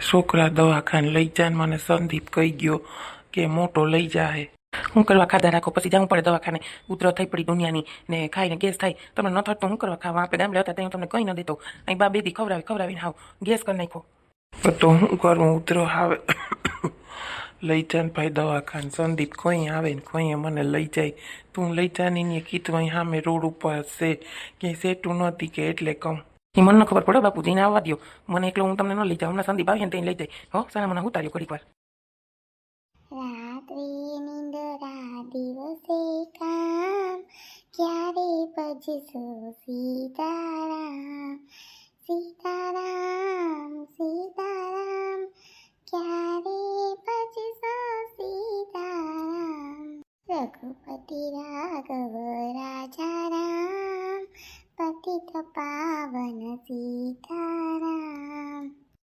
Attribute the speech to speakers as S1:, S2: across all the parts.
S1: છોકરા દવાખાને લઈ જાય મને સંદીપ કહી ગયો કે મોટો લઈ જાય. હું કરવા ખાધા રાખો પછી જવું પડે દવાખાને. ઉધરસ થઈ પડી દુનિયાની ને ખાઈને ગેસ થાય. તમને ન થતું હું કરવા ખાવા? આપણે ગામડે હતા ત્યાં તમને કંઈ ન દેતો. અહીં બા બેદી ખવડાવીને હાવ ગેસ કરી નાખો. તો હું કરું? ઉધરો આવે લઈ જાય ને ભાઈ દવાખાને. સંદીપ કોઈ આવે ને કોઈ મને લઈ જાય. તું લઈ જા ને કીધું અહીં સામે રોડ ઉપર છે ક્યાંય સેટું નહોતી કે એટલે કહું. એ મને ન ખબર પડે બાપુજીને આવવા દો. મને એકલો હું તમને ન લઈ જાઉં. હમણાં સંદીપ આવીએ ને ત્યાં લઈ જાય. હો સારા મને ઉતાર્યો ઘડીક વાર.
S2: રાત્રે નિંદરા દિવસે કામ ક્યારે ભજશો સીતારામ સીતારામ સીતારામ ક્યારે ભજશો સીતારામ રઘુપતિ રાઘવ રાજા રામ પતિત પાવન સીતારામ.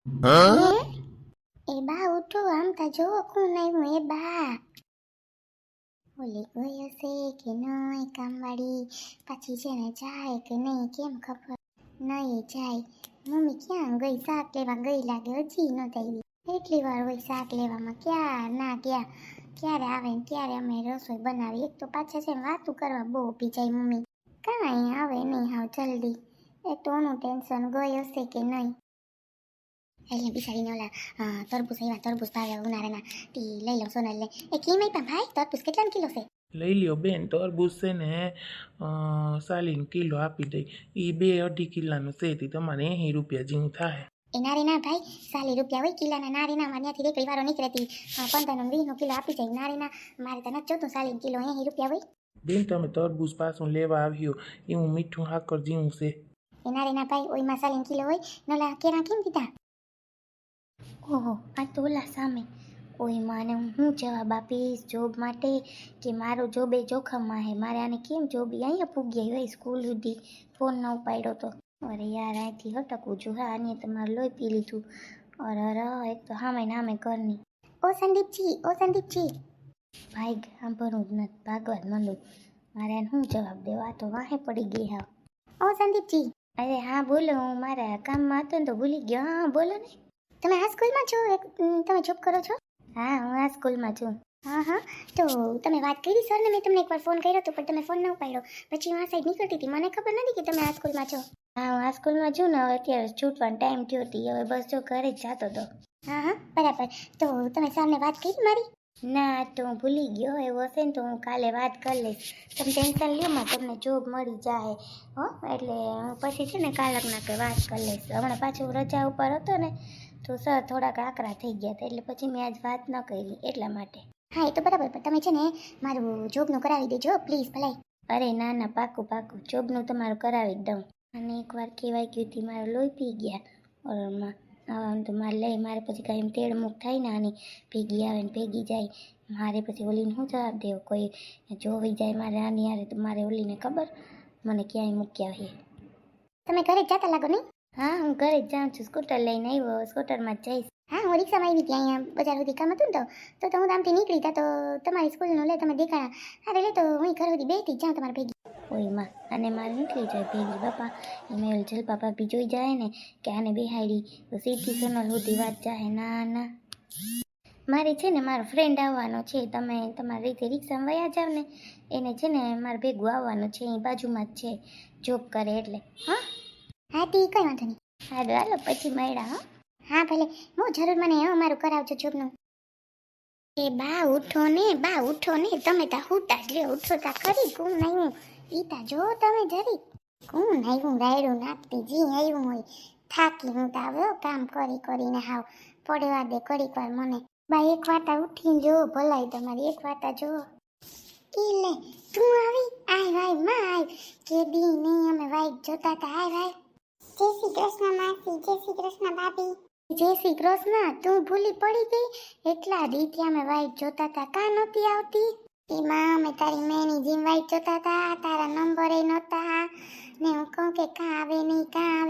S2: એ બા ઉઠો, આમ તા જો કોણ આવ્યું. એ બા ઓલી ગયો છે કે નહીં કામવાળી? પાછી છે ને જાય કે નહીં કેમ ખબર નહીં જાય. મમ્મી ક્યાં ગઈ? શાક લેવા ગઈ લાગે, હજી ન આવી. એટલી વાર હોય શાક લેવામાં, ક્યાં ના ગયા. ક્યારે આવે ને ત્યારે અમે રસોઈ બનાવી. એક તો પાછા છે ને વાતું કરવા બહુ ઊભી જાય મમ્મી. કાંઈ આવે નહીં હાવ જલ્દી. એક તો ઓનું ટેન્શન ગઈ હશે કે નહીં. એટલે બિચારીને ઓલા તરબૂચ આવ્યા, તરબૂચ ભાવે ઉનાળાના. તી લઈ લઉં સોનલ લે. એ કેમ આપ્યા ભાઈ તરબૂચ? કેટલાનો કિલો છે?
S1: લઈ લ્યો બેન, તરબૂચ છે ને 40 કિલો આપી દઈ. એ 2-2.5 કિલાનું છે તે તમારે 80 રૂપિયા જેવું થાય.
S2: એ નારી ના ભાઈ, 40 રૂપિયા હોય કિલાના. નારી ના મારે ત્યાંથી રેકડી વાળો નીકળેતી 15-20 કિલો આપી જાય. નારી ના મારે તો નથી જોતું 40 કિલો, 80 રૂપિયા હોય.
S1: બેન તમે તરબૂચ પાછું લેવા આવ્યો એવું મીઠું હાકર જેવું છે.
S2: એ નારી ના ભાઈ, ઓયમાં 40 કિલો હોય. નોલા કેરા કેમ દીધા? ઓહો, આ તો ઓલા સામે. ઓય માને હું જવાબ આપીશ જોબ માટે કે મારો જોબ એ જોખમમાં હે? મારે આને કેમ જોબ અહીંયા પૂગી હોય સ્કૂલ સુધી ફોન ન ઉપાડ્યો તો? અરે યાર, અહીંથી હટકવું છું. હા, આને તમારે લોહી પી લીધું. અરે એક તો હામે નામે ઘરની. ઓ સંદીપજી ભાઈ સાંભળવું જ નથી, ભાગવા જ માંડું. મારે આને શું જવાબ દેવો? આ તો વાહે પડી ગઈ. હા ઓ સંદીપજી. અરે હા બોલો, હું મારા કામમાં હતો ને તો ભૂલી ગયો. હા બોલો ને. તમે આ સ્કૂલમાં છો? તમે જોબ કરો છો? હા, હું આ સ્કૂલમાં છું. હા, તો તમે વાત કરી સરને? મેં તમને એકવાર ફોન કર્યો હતો પણ તમે ફોન ન ઉપાડ્યો. પછી હું આ સાઈડ નીકળતી હતી, મને ખબર નથી કે તમે આ સ્કૂલમાં છો. હા, હું આ સ્કૂલમાં છું ને. હવે અત્યારે છૂટવાનો ટાઈમ થયો હતી. હવે બસ જો ઘરે જ જતો હતો. હા બરાબર. તો તમે સરને વાત કરી મારી? ના, તો હું ભૂલી ગયો. એવું હશે ને તો હું કાલે વાત કરી લઈશ. તમે ટેન્શન લ્યો માં, તમને જોબ મળી જાય હો. એટલે હું પછી છે ને કાલકના કે વાત કરી લઈશ. હમણાં પાછું રજા ઉપર હતો ને તો સર થોડાક આકરા થઈ ગયા હતા, એટલે પછી મેં આજ વાત ન કરી એટલા માટે. હા એ તો બરાબર, પણ તમે છે ને મારું જોબનું કરાવી દેજો પ્લીઝ ભલાઈ. અરે ના પાકું જોબનું તમારું કરાવી જ દઉં. અને એકવાર કહેવાય ગયું હતી મારે લોહી પી ગયા ઓરમાં. આવા તો મારે પછી કાંઈ એમ તેડ મૂક થાય ને આની ભેગી આવે ને ભેગી જાય. મારે પછી ઓલીને શું જવાબ દેવો? કોઈ જોવી જાય મારે આની યારે તો મારે ઓલીને ખબર મને ક્યાંય મૂક્યા છે. તમે ઘરે જ જતા લાગો નહીં? હા, હું ઘરે જ જાઉં છું. સ્કૂટર લઈને આવ્યો, સ્કૂટરમાં જ જઈશ. હા, હું રિક્ષામાં આવી હતી અહીંયા બજાર સુધી કામ હતું ને તો હું આમથી નીકળી તા તો તમારી સ્કૂલનું લે તમે દેખાણા. અરે લે તો હું ઘર સુધી બેસતી જ જાઉં તમારે ભેગી. ઓય માં, અને મારે નીકળી જાય ભેગી બાપા. એમાં જલપા ભાભી જોઈ જાય ને કે આને બેહાડી તો સીધી સોનલ સુધી વાત જાય. ના મારે છે ને મારો ફ્રેન્ડ આવવાનો છે. તમે તમારી રીતે રિક્ષામાં વયા જાવ ને. એને છે ને મારે ભેગું આવવાનું છે. અહીં બાજુમાં જ છે, જોબ કરે એટલે. હા તી કઈ વાંધો નહીં. હાલો પછી મળ્યા. હા ભલે, હું જરૂર મને અમારું કરાવજો જોબનું. એ બા ઉઠો ને તમે તા હુતા જ લ્યો. ઉઠો તા ખરી. કોણ આવ્યું ઈ તા જો તમે જરી. કોણ આવ્યું રાયડું નાખતી જી આવ્યું હોય. થાકી હું તા આવ્યો કામ કરીને હાવ પડવા દે ઘડીક વાર મને. બા એક વાતા ઉઠીને જો ભલાઈ તમારી. એક વાતા જો ઈ લે તું આવી. આય વાય માં આય કે દી નહીં અમે વાઈટ જોતા તા. આય વાય. જય શ્રી કૃષ્ણ માસી. જય શ્રી કૃષ્ણ ભાભી. જય શ્રી કૃષ્ણ. તું ભૂલી પડી ગઈ? એટલા દીથી અમે વાઈટ જોતા તા, કાં નહોતી આવતી? એમાં અમે તારી મેની જેમ વાઈટ જોતા તા, તારા નંબર એ નહોતા ને હું કહું કે કાં આવે નહીં. હા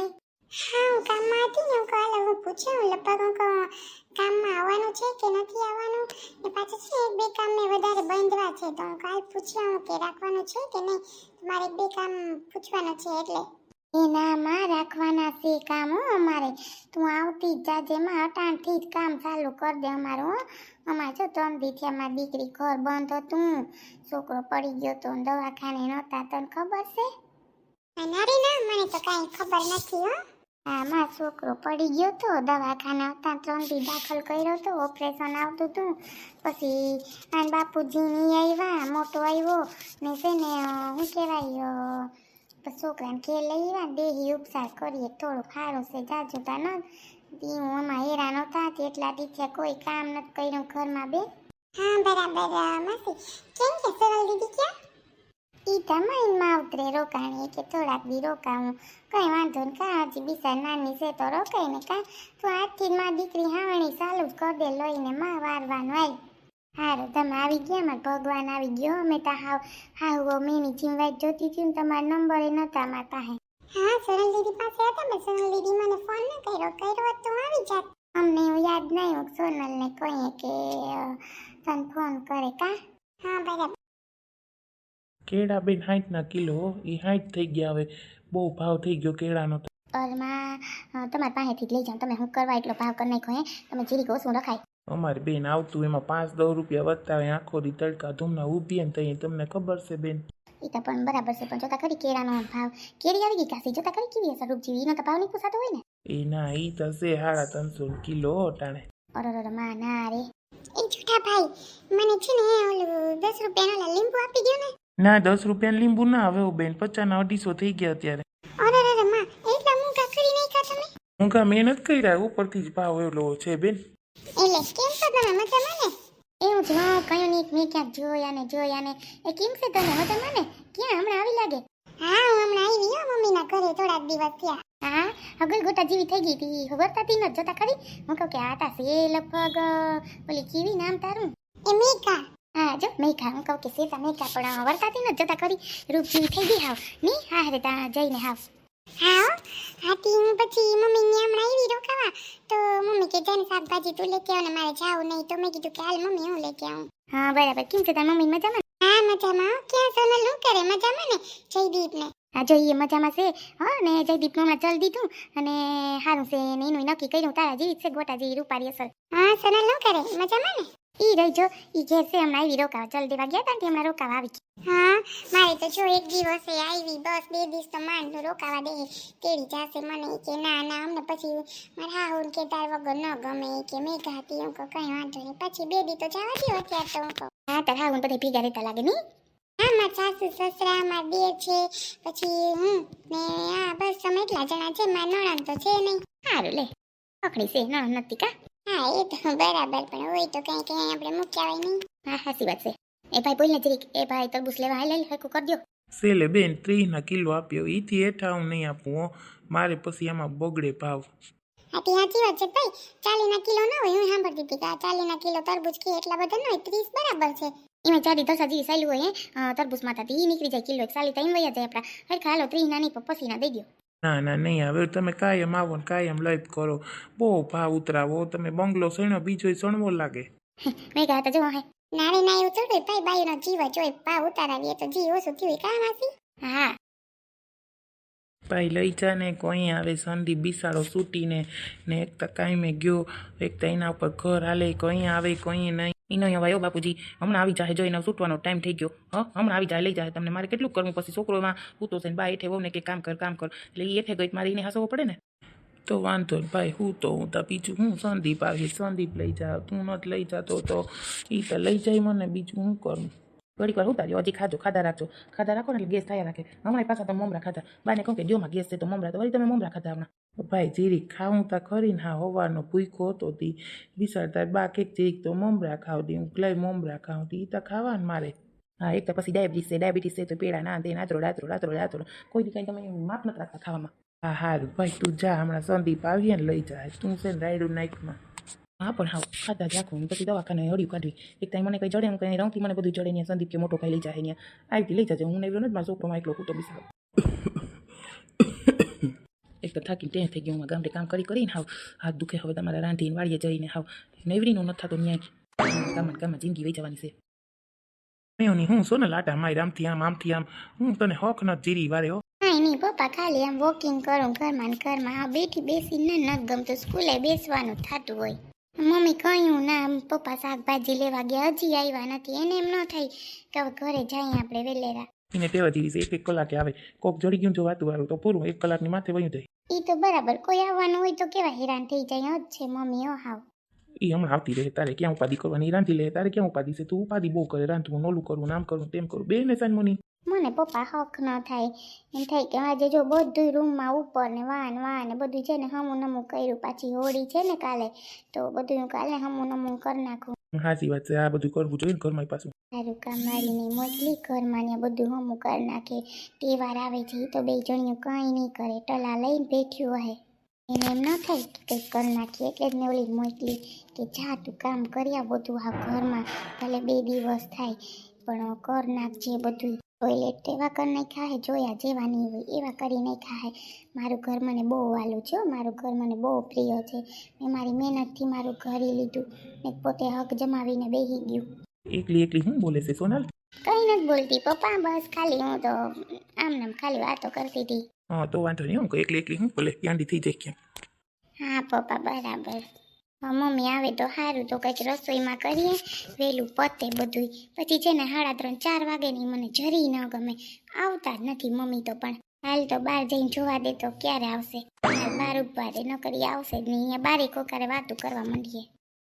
S2: હું કામમાં હતી ને. હું કાલે હું પૂછ્યું લગભગ હું કહું કામમાં આવવાનું છે કે નથી આવવાનું. ને પાછું છે એક બે કામ મેં વધારે બાંધવા છે તો હું કાલ પૂછ્યું કે રાખવાનું છે કે નહીં. મારે 1-2 કામ પૂછવાનું છે એટલે. એનામાં રાખવાના છે કામ હો અમારે. તું આવતી જ જાજે માં અટાણથી જ કામ ચાલુ કરી દે અમારું હો. અમારે જો 3 દી થયા મારી દીકરી ઘર બંધ હતું, છોકરો પડી ગયો તો ને દવાખાને નહોતા, તને ખબર છે? ના રે ના, મને તો કાંઈ ખબર નથી હો. હા, મારો છોકરો પડી ગયો તો દવાખાને હતા, 3 દી દાખલ કર્યો તો, ઓપરેશન આવતું હતું. પછી આન બાપુજી ની આવ્યા, મોટો આવ્યો ને છે ને શું કહેવાય પછી છોકરાને ઘેર લઈ આવ્યા, દેહી ઉપચાર કરીએ, થોડુંક સારું છે, જાજુ તા ન હું આમાં હેરાન હતા એટલા દીથે કોઈ કામ નથી કર્યું ઘરમાં બે. હા બરાબર માસી. કેમ કે સરળ દીદી ક્યાં? ઈ તમારી માવતરે રોકાણી કે થોડાક દી રોકાવું. કઈ વાંધો ને કા હજી બિચાર નાની છે તો રોકાય ને કા. તો આજથી જ મારી દીકરી હાવણી ચાલુ જ કરી દે લઈને માં વારવાનું આવી. હારું તમે આવી ગયા, મારે ભગવાન આવી ગયો. અમે તો હાવ મેની જીવવાઈ જોતી હતી ને તમારા નંબરે નતા મારા પાસે. હા સરળ દીદી પાસે હતા, મેં સોનલ દીદી મને ફોન ન કર્યો તો આવી જાત. અમને એવું યાદ નહીં હું સોનલને કહીએ કે તને ફોન કરે કા. હા બરાબર.
S1: કેળા બેન 60 કિલો, એ 60 થઈ ગયા. હવે બહુ ભાવ થઈ ગયો કેળાનો.
S2: અરમાં તમારી પાસેથી જ લઈ જાઉં. તમે હું કરવા એટલો ભાવ કરી નાખો હે? તમે જીરીક ઓછું રખાય.
S1: અમારી બેન આવતું એમાં 5-10 રૂપિયા વધતા હોય. આખો દી તડકા ધૂમના ઊભી ને તઈ તમને ખબર છે બેન.
S2: એ તો પણ બરાબર છે, પણ જોતા ખરી કેળાનો ભાવ. કેરી આવી ગઈ કાસી, જોતા ખરી કેવી હશે રૂપજી. એનો તો ભાવ નહીં પૂછાતો હોય ને.
S1: એ ના, ઈ તો છે 350 કિલો ટાણે.
S2: અરે માં ના રે. એ જૂઠા ભાઈ, મને છે ને ઓલું 10 રૂપિયાનો લીંબુ આપી દો ને.
S1: ના, 10 રૂપિયા લીંબુ ના હવે બેન, 50 ના 250 થઈ ગયા અત્યારે.
S2: અરે માં, એટલા મૂંગા કરી નાખ્યા તમે.
S1: ઊંઘા મહેનત કર્યા, ઉપરથી જ ભાવ એલો છે બેન.
S2: એટલે કેમ છો તમે, મજામાં ને? એવું જ કયું નહીં, મેં ક્યાંક જોયા ને. એ કેમ છે તમે, મજામાં ને? ક્યાં હમણાં આવી લાગે? હા હું હમણાં આવી હો, મમ્મીના ઘરે થોડાક દિવસ થયા. હા હગલ ગોટા જેવી થઈ ગઈ હતી, વર્તાતી ન જોતા ખરી. હું કહું કે આટા છે લગભગ ઓલી કેવી નામ તારું? એ મેઘા. હા જો મેઘા, હું કહું કે સેતા મેઘા, પણ વર્તાતી ન જોતા ખરી. રૂપ જેવી થઈ ગઈ હાવ ની. હા રે તા જઈને હાવ. હા હાથી હું પછી મમ્મી ને હમણાં આવી રોકાવા તો મમ્મી કે જઈને શાકભાજી તું લેતી આવ ને મારે જાવું નહીં, તો મેં કીધું કે હાલ મમ્મી હું લેતી આવું. હા બરાબર. કેમ છે તારી મમ્મી મજામાં? હા મજામાં. ક્યાં સોનલ શું કરે, મજામાં ને? જયદીપ ને? હા જોઈએ મજામાં છે. હા ને જયદીપ નું હમણાં ચલ દીધું અને સારું છે ને એનું નક્કી કર્યું તારા જેવી છે ગોટા જેવી રૂપારી અસર. હા સોનલ શું કરે, મજામાં ને? ઈ રહી જો ઈ ઘેર છે, હમણાં આવી રોકાવા ચલ દેવા ગયા તા હમણાં રોકાવા આવી. હા મારે તો જો એક દિવસે આવી, બસ 2 દિવસ તો માંડ રોકાવા દે. તેડી જાશે મને કે ના અમને પછી મારા હાહુન કે તાર વગર ન ગમે કે મેઘા હતી. હું કહું કઈ વાંધો નહીં, પછી 2 દી તો જવા દો અત્યારે તો. હું કહું હા તાર હાહુન બધા ભેગા રહેતા લાગે નહીં? હા મારા સાસુ સસરા મારા દેર છે, પછી હું ને હા બસ અમે એટલા જણા છે. મારા નણંદ તો છે નહીં. સારું લે પકડી છે, નણંદ નથી કા? હા એ તો બરાબર, પણ હોય તો કઈ કઈ આપણે મૂક્યા હોય નહીં. હા સાચી વાત છે. એ ભાઈ બોલ ને જરીક, એ ભાઈ તરબૂચ લેવા હાલ હરખું કરી દો.
S1: સેલે બેન 30 કિલો આપ્યો, ઈથી હેઠા હું નહીં આપું હો, મારે પછી એમાં બગડે ભાવ.
S2: સાચી વાત છે ભાઈ. 40 કિલો ના હોય, હું સાંભળતી હતી કે 40 કિલો તરબૂચ કે એટલા બધા ન હોય, 30 બરાબર છે. એમાં ચારી 10 જેવી સાયલું હોય તરબૂચ માથાથી ઈ નીકળી જાય કિલો 40 તો એમ વયા જાય આપણા. હરખા હાલો 30 ના નહીં પછી ના દઈ દો.
S1: ના નહીં, હવે તમે કાયમ આવો ને કાયમ લઈ જ કરો. બહુ ભાવ ઉતરાવો, તમે બંગલો સણ્યો બીજો સણવો લાગે.
S2: મેં કહ્યા તો જો હે નારે ના એવું થોડું ભાઈ, બાયુનો જીવ જ હોય, ભાવ ઉતારાવીએ તો જીવ ઓછું થયું કામ આસી. હા
S1: ભાઈ લઈ જા ને કોઈ આવે સંદીપ બિસાડો સૂટીને ને એક તો કાંઈ મેં ગયો, એક તો એના ઉપર ઘર હાલે, કોઈ આવે કોઈ નહીં. એનો અહીંયા વાયો બાપુજી હમણાં આવી જાય, જો એનો સૂટવાનો ટાઈમ થઈ ગયો. હમણાં આવી જાય લઈ જાય તમને. મારે કેટલું કરવું પછી, છોકરોમાં હું તો છે ને બા એઠે હોવ ને કે કામ કર એટલે એ એઠે ગઈ મારે એને હસવો પડે ને. તો વાંધો ને ભાઈ, હું તો બીજું હું સંદીપ આવી, સંદીપ લઈ જા, તું નથી લઈ જાતો તો એ તો લઈ જાય મને, બીજું હું કરું. ઘડીક વાર ઉતાર્યો, હજી ખાધા રાખો ને એટલે ગેસ થયા રાખે. હમણાં પાછા તમે મમરા ખાધા, બાને કહું કે જોમાં ગેસ છે તો મમરા, તો વળી તમે મમરા ખાધા હમણાં. ભાઈ જીરીક ખાવું તા ખરી ને. હા હવાનો ભૂખો હતો તી બિસાડતા બા કેક જીરીક તો મમરા ખાવ દી, હું લઈ મમરા ખાવ તી, તો ખાવા ને મારે. હા એક તો પછી ડાયાબિટીસ છે તો પેડા ના દે, રાત્રો કોઈ દી કંઈ તમે માપ નથી રાખતા ખાવામાં. હા હારું ભાઈ તું જા, હમણાં સંદીપ આવીએ ને લઈ જાય, તું છે ને રાયડું નાખમાં. હા પણ હા ખાધા જ રાખું, પછી દવાખાને હળ્યું કાઢવી. એક ટાઈમ મને કંઈ જડે, હું કંઈ રંગથી મને બધું જડે ને સંદીપ કે મોટો કંઈ લઈ જાય અહીંયા આવી લઈ જજે. હું નહીં નથી મારા છોકરોમાં એકલો કૂટો બિસાડો. એક તો થાકી ટેહ થઈ ગયું, ગામડે કામ કરીને હાવ હાથ દુખે. હવે તમારે રાંધીને વાળીએ જઈને હાવ નેવરીનું નથી થતો ન્યાય. કામમાં જિંદગી વહી જવાની છે. નહીં હું શું ને લાટા મારી આમથી આમ હું તને હોખ ન જીરી વારે હો.
S2: હા કાંઈ નહીં પપ્પા, ખાલી આમ વોકિંગ કરું ઘરમાં ને ઘરમાં. હા, બેસીને નથી ગમતું, સ્કૂલે બેસવાનું થતું હોય. મમ્મી કહ્યું ના, પપ્પા શાકભાજી લેવા ગયા, હજી આવ્યા નથી. એને એમ ન થાય કે હવે ઘરે જઈએ આપણે વેલેરા.
S1: એને ટેવા જેવી છે, એક કલાકે આવે. કોક જડી ગયું જો વાતું વાળું તો પૂરું, 1 કલાકની માથે વયું જાય.
S2: એ તો બરાબર, કોઈ આવવાનું હોય તો કેવા હેરાન થઈ જાય જ છે મમ્મી. હાવ
S1: એ હમણાં આવતી રહે, તારે ક્યાં ઉપાધિ કરવાની? રાંધી લે, તારે ક્યાં ઉપાધિ છે? તું ઉપાધિ બહુ કરે, રાંધવું, નોલું કરવું, નામ કરવું, તેમ કરવું, બે ને સાન મની.
S2: મને પપ્પા હક ન થાય. એમ થાય કે આજે જો બધું રૂમમાં ઉપર ને વાન ને બધું છે ને હમું નમું કર્યું. પાછી હોળી છે ને કાલે, તો બધું કાલે હમું નમું કરી નાખું.
S1: સાચી વાત છે, આ બધું કરવું જોઈએ ને ઘરમાં પાછું.
S2: સારું કામ મારીને મોકલી ઘરમાં ને બધું હમું કરી નાખે. તહેવાર આવે છે એ તો બે જણિયું કંઈ નહીં કરે, ટલા લઈને બેઠ્યું હોય. એને એમ ન થાય કે કંઈક કરી નાખીએ, એટલે જ મેં ઓલી મોકલી કે જા તું કામ કરી આવ બધું. આ ઘરમાં ભલે 2 દિવસ થાય પણ કર નાખજે બધું. ટોયલેટ એવા કરી નાખ્યા હે, જોયા જેવા નહીં હોય એવા કરી નાખ્યા હે. મારું ઘર મને બહુ વાલું છે, મારું ઘર મને બહુ પ્રિય છે. મેં મારી મહેનતથી મારું ઘર લીધું ને પોતે હક જમાવીને બેસી ગયું.
S1: એકલી એકલી હું બોલે છે સોનલ?
S2: કંઈ નથી બોલતી પપ્પા, બસ ખાલી હું તો આમ ખાલી વાતો કરતી હતી.
S1: હા તો વાંધો નહીં, હું એકલી એકલી હું બોલે, ગાંડી થઈ જાય ક્યાં.
S2: હા પપ્પા બરાબર. મમ્મી આવે તો સારું, તો કંઈક રસોઈમાં કરીએ, વહેલું પતે બધું. પછી છે ને 3:30-4 વાગે ની મને જરી ન ગમે, આવતા જ નથી મમ્મી તો. પણ હાલ તો બહાર જઈને જોવા દે તો ક્યારે આવશે. બહાર ઉભા રે, ન કરી આવશે જ નહીં. અહીંયા બારી કોકારે વાતું કરવા માંડીએ.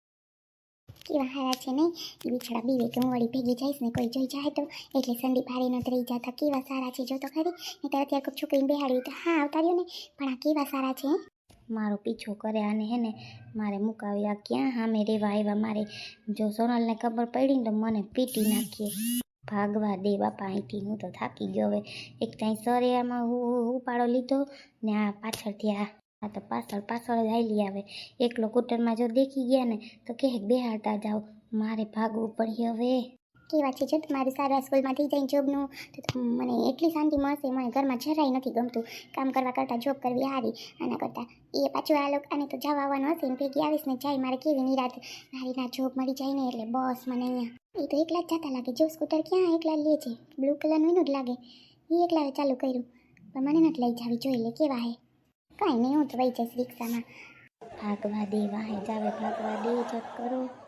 S2: કેવા હારા છે નહીં એ બિછડા બીવે કે હું વળી ભેગી જઈશ ને કોઈ જોઈ જાય તો, એટલે સંદીપ હારી નથી રહી જતા. કેવા સારા છે જો તો ખરી. નહીં તો અત્યારે કોઈ છોકરીને બેહાડ્યું તો હા આવતા રહ્યો ને, પણ આ કેવા સારા છે. મારો પીછો કરે આને હે ને, મારે મુકાવી આ ક્યાં સામે રેવા આવ્યા. મારે જો સોનલને ખબર પડી ને તો મને પીટી નાખીએ. ભાગવા દે બાપા અહીંથી, હું તો થાકી ગયો હવે. એક ત્યાં સરે આમાં ઉપાડો લીધો ને આ પાછળથી આ તો પાછળ જ હાલી આવે. એકલો કૂટરમાં જો દેખી ગયા ને તો કહે બેહાડતા જાઓ, મારે ભાગવું પડે હવે. કેવા છે જો તમારું સારા સ્કૂલમાં થઈ જાય જોબનું તો મને એટલી શાંતિ મળશે. મને ઘરમાં જરાય નથી ગમતું. કામ કરવા કરતાં જોબ કરવી સારી. આના કરતાં એ પાછું આ લોકો આને તો જવા આવવાનું હશે ને ભેગી આવીશ ને જાય, મારે કેવી નિરાત મારી ના જોબ મળી જાય ને એટલે બસ મને અહીંયા. એ તો એકલા જ જતા લાગે. જો સ્કૂટર ક્યાં એકલા લે છે, બ્લુ કલરનું એનું જ લાગે. એ એકલા ચાલુ કર્યું પણ મને નથી લઈ જાવી. જોઈ લે કેવા હે. કાંઈ નહીં, હું તો વહી જઈશ રિક્ષામાં. ભાગવા દે વાહે જાવે, ભાગવા દે જપ કરો.